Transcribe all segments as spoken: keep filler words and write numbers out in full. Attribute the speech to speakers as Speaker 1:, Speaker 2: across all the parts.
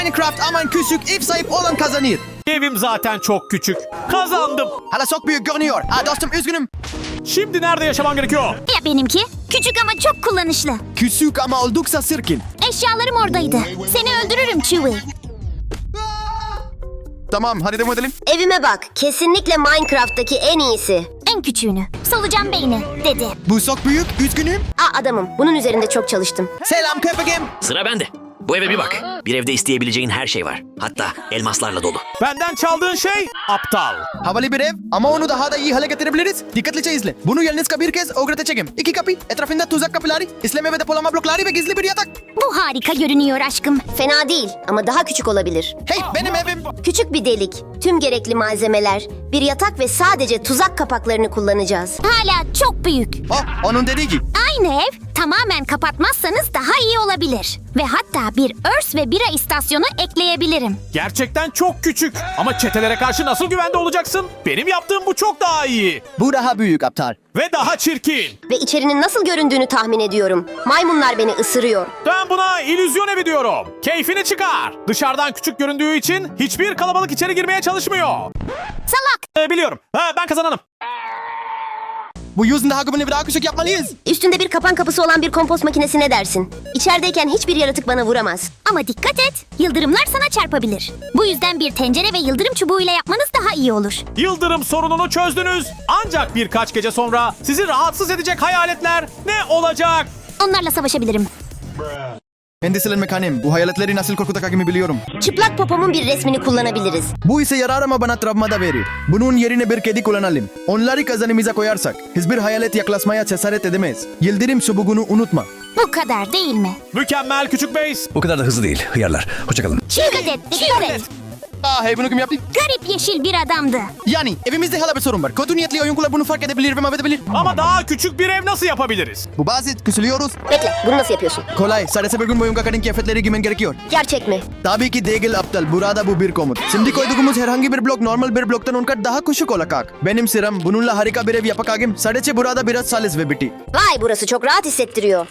Speaker 1: Minecraft aman küçük ev sahip olan kazanır.
Speaker 2: Evim zaten çok küçük. Kazandım.
Speaker 1: Hala çok büyük görünüyor. Ha dostum üzgünüm.
Speaker 2: Şimdi nerede yaşamam gerekiyor?
Speaker 3: Ya benimki? Küçük ama çok kullanışlı.
Speaker 1: Küçük ama oldukça sirkin.
Speaker 3: Eşyalarım oradaydı. Seni öldürürüm Chewie.
Speaker 1: Tamam hadi devam edelim.
Speaker 4: Evime bak. Kesinlikle Minecraft'taki en iyisi.
Speaker 3: En küçüğünü. Solucan beyni dedi.
Speaker 1: Bu çok büyük üzgünüm.
Speaker 4: Aa adamım. Bunun üzerinde çok çalıştım.
Speaker 1: Selam köpeğim.
Speaker 5: Sıra bende. Bu eve bir bak. Bir evde isteyebileceğin her şey var. Hatta elmaslarla dolu.
Speaker 2: Benden çaldığın şey aptal.
Speaker 1: Havalı bir ev ama onu daha da iyi hale getirebiliriz. Dikkatlice izle. Bunu yalnızca bir kez öğreteceğim. İki kapı, etrafında tuzak kapıları, işleme ve depolama blokları ve gizli bir yatak.
Speaker 3: Bu harika görünüyor aşkım.
Speaker 4: Fena değil ama daha küçük olabilir.
Speaker 1: Hey benim evim.
Speaker 4: Küçük bir delik, tüm gerekli malzemeler, bir yatak ve sadece tuzak kapaklarını kullanacağız.
Speaker 3: Hala çok büyük.
Speaker 1: Oh onun dediği gibi.
Speaker 3: Aynı ev tamamen kapatmazsanız daha iyi olabilir. Ve hatta bir örs ve bira istasyonu ekleyebilirim.
Speaker 2: Gerçekten çok küçük. Ama çetelere karşı nasıl güvende olacaksın? Benim yaptığım bu çok daha iyi.
Speaker 1: Bu daha büyük aptal.
Speaker 2: Ve daha çirkin.
Speaker 4: Ve içerinin nasıl göründüğünü tahmin ediyorum. Maymunlar beni ısırıyor.
Speaker 2: Ben buna illüzyon evi diyorum. Keyfini çıkar. Dışarıdan küçük göründüğü için hiçbir kalabalık içeri girmeye çalışmıyor.
Speaker 3: Salak!
Speaker 2: Ee, biliyorum. Ha, ben kazananım.
Speaker 1: Bu yüzden daha güvenli ve daha küçük yapmalıyız.
Speaker 4: Üstünde bir kapan kapısı olan bir kompost makinesi ne dersin? İçerideyken hiçbir yaratık bana vuramaz.
Speaker 3: Ama dikkat et, yıldırımlar sana çarpabilir. Bu yüzden bir tencere ve yıldırım çubuğuyla yapmanız daha iyi olur.
Speaker 2: Yıldırım sorununu çözdünüz. Ancak birkaç gece sonra sizi rahatsız edecek hayaletler ne olacak?
Speaker 3: Onlarla savaşabilirim.
Speaker 1: Endişelenme kanem. Bu hayaletleri nasıl korkutacağımı biliyorum.
Speaker 4: Çıplak popomun bir resmini kullanabiliriz.
Speaker 1: Bu ise yarar ama bana travma da verir. Bunun yerine bir kedi kullanalım. Onları kazanımıza koyarsak hiçbir hayalet yaklaşmaya cesaret edemez. Yıldırım çubuğunu unutma.
Speaker 3: Bu kadar değil mi?
Speaker 2: Mükemmel küçük base.
Speaker 6: O kadar da hızlı değil. Hıyarlar. Hoşçakalın.
Speaker 3: Dikkat et, dikkat et.
Speaker 1: Ah hey bunu kim yaptı?
Speaker 3: Garip yeşil bir adamdı.
Speaker 1: Yani evimizde hala bir sorun var. Kötü niyetli oyuncular bunu fark edebilir ve mahvedebilir.
Speaker 2: Ama daha küçük bir ev nasıl yapabiliriz?
Speaker 1: Bu basit. Küsülüyoruz.
Speaker 4: Bekle, bunu nasıl yapıyorsun?
Speaker 1: Kolay. Sadece bir gün boyunca kadın kıyafetleri giymen gerekiyor.
Speaker 4: Gerçek mi?
Speaker 1: Tabii ki değil aptal. Burada bu bir komut. Şimdi koyduğumuz herhangi bir blok normal bir bloktan on kat daha küçük olacak. Benim sıram bununla harika bir ev yapacağım. Sadece burada biraz salis ve bitti.
Speaker 4: Vay burası çok rahat hissettiriyor.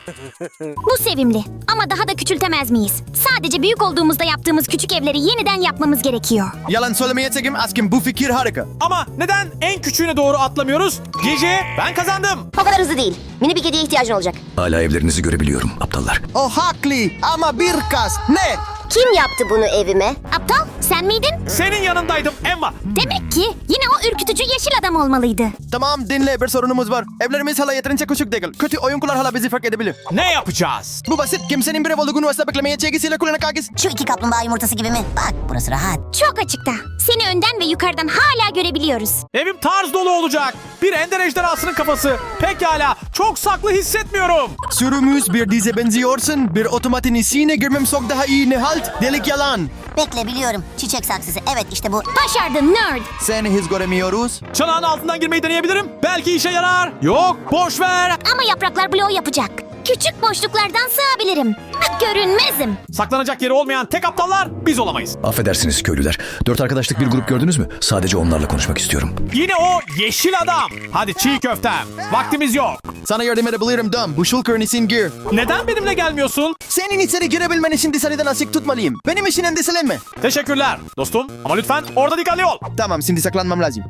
Speaker 3: Bu sevimli. Ama daha da küçültemez miyiz? Sadece büyük olduğumuzda yaptığımız küçük evleri yeniden yapmamız gerekiyor.
Speaker 1: Yalan söylemeyeceğim askim bu fikir harika.
Speaker 2: Ama neden en küçüğüne doğru atlamıyoruz? Gece ben kazandım.
Speaker 4: O kadar hızlı değil. Mini bir kediye ihtiyacın olacak.
Speaker 6: Hala evlerinizi görebiliyorum aptallar.
Speaker 1: O haklı ama bir kas. Ne?
Speaker 4: Kim yaptı bunu evime?
Speaker 3: Aptal, sen miydin?
Speaker 2: Senin yanındaydım Emma.
Speaker 3: Demek ki yine o ürkütücü yeşil adam olmalıydı.
Speaker 1: Tamam dinle bir sorunumuz var. Evlerimiz hala yeterince küçük değil. Kötü oyuncular hala bizi fark edebilir.
Speaker 2: Ne yapacağız?
Speaker 1: Bu basit. Kimsenin bir ev olduğunu asla beklemeyeceğiyle kullanacağız.
Speaker 7: Şu iki kaplumbağa yumurtası gibi mi? Bak burası rahat.
Speaker 3: Çok açıkta. Seni önden ve yukarıdan hala görebiliyoruz.
Speaker 2: Evim tarz dolu olacak. Bir ender ejderhasının kafası. Pekala. Çok saklı hissetmiyorum.
Speaker 1: Sürümüz bir dize benziyorsun. Bir otomatin içine girmem çok daha iyi ne halt? Delik yalan.
Speaker 7: Bekle biliyorum. Çiçek saksısı. Evet işte bu.
Speaker 3: Başardın nerd.
Speaker 1: Seni hiç göremiyoruz.
Speaker 2: Çanağın altından girmeyi deneyebilirim. Belki işe yarar. Yok, boş ver.
Speaker 3: Ama yapraklar bloğu yapacak. Küçük boşluklardan sığabilirim. Görünmezim.
Speaker 2: Saklanacak yeri olmayan tek aptallar biz olamayız.
Speaker 6: Affedersiniz köylüler. Dört arkadaşlık bir grup gördünüz mü? Sadece onlarla konuşmak istiyorum.
Speaker 2: Yine o yeşil adam. Hadi çiğ köftem. Vaktimiz yok.
Speaker 1: Sana yardım edebilirim Dom. Bu şulkırın için gir.
Speaker 2: Neden benimle gelmiyorsun?
Speaker 1: Senin içeri girebilmen için dışarıdan açık tutmalıyım. Benim için endişelenme.
Speaker 2: Teşekkürler dostum. Ama lütfen orada dikkatli ol.
Speaker 1: Tamam şimdi saklanmam lazım.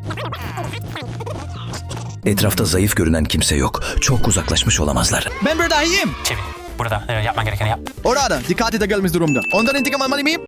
Speaker 6: Etrafta zayıf görünen kimse yok. Çok uzaklaşmış olamazlar.
Speaker 1: Ben buradayım.
Speaker 8: Çevir. Burada e, yapman gerekeni yap.
Speaker 1: Orada dikkati de gelmiş durumda. Ondan intikam almalı mıyım?